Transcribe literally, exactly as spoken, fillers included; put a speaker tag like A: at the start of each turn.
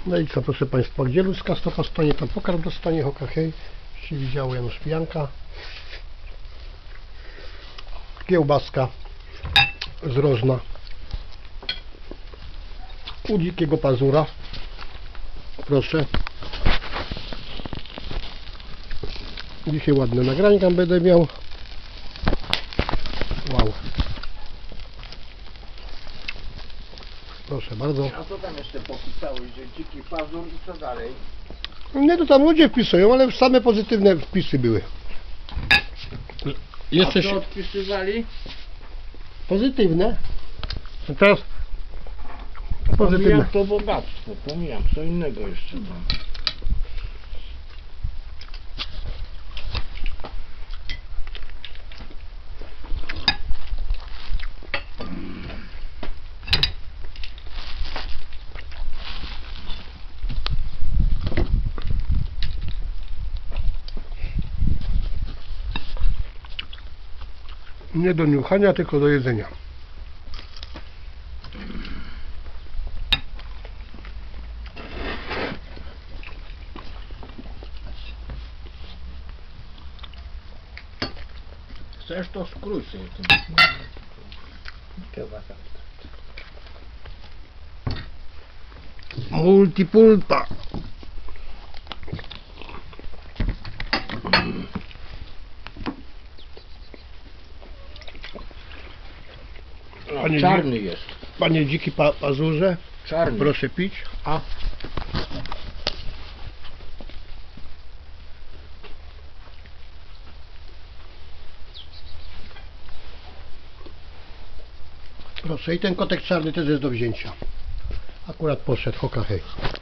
A: No i co, proszę Państwa, gdzie ludzka stopa stanie, tam pokarm dostanie, hoka hej. Się widziało Janusz Pijanka. Kiełbaska z rożna. U dzikiego pazura. Proszę. Dzisiaj ładne nagrania będę miał. Wow. Proszę bardzo.
B: A co tam jeszcze popisałeś, że dziki pazur i co dalej?
A: Nie, to tam ludzie wpisują, ale same pozytywne wpisy były. Jeszcze
B: A co
A: się...
B: odpisywali?
A: Pozytywne. Teraz pozytywne.
B: Pomijam to bogactwo, pomijam, co innego jeszcze tam.
A: Nie do niuchania, tylko do jedzenia.
B: Chcesz to skrój sobie tym. Kiełbasa.
A: Multipulpa.
B: No,
A: Panie
B: czarny jest.
A: Panie dziki pa pazurze,
B: Czarny.
A: proszę pić. A proszę, i ten kotek czarny też jest do wzięcia. Akurat poszedł, hoka hej.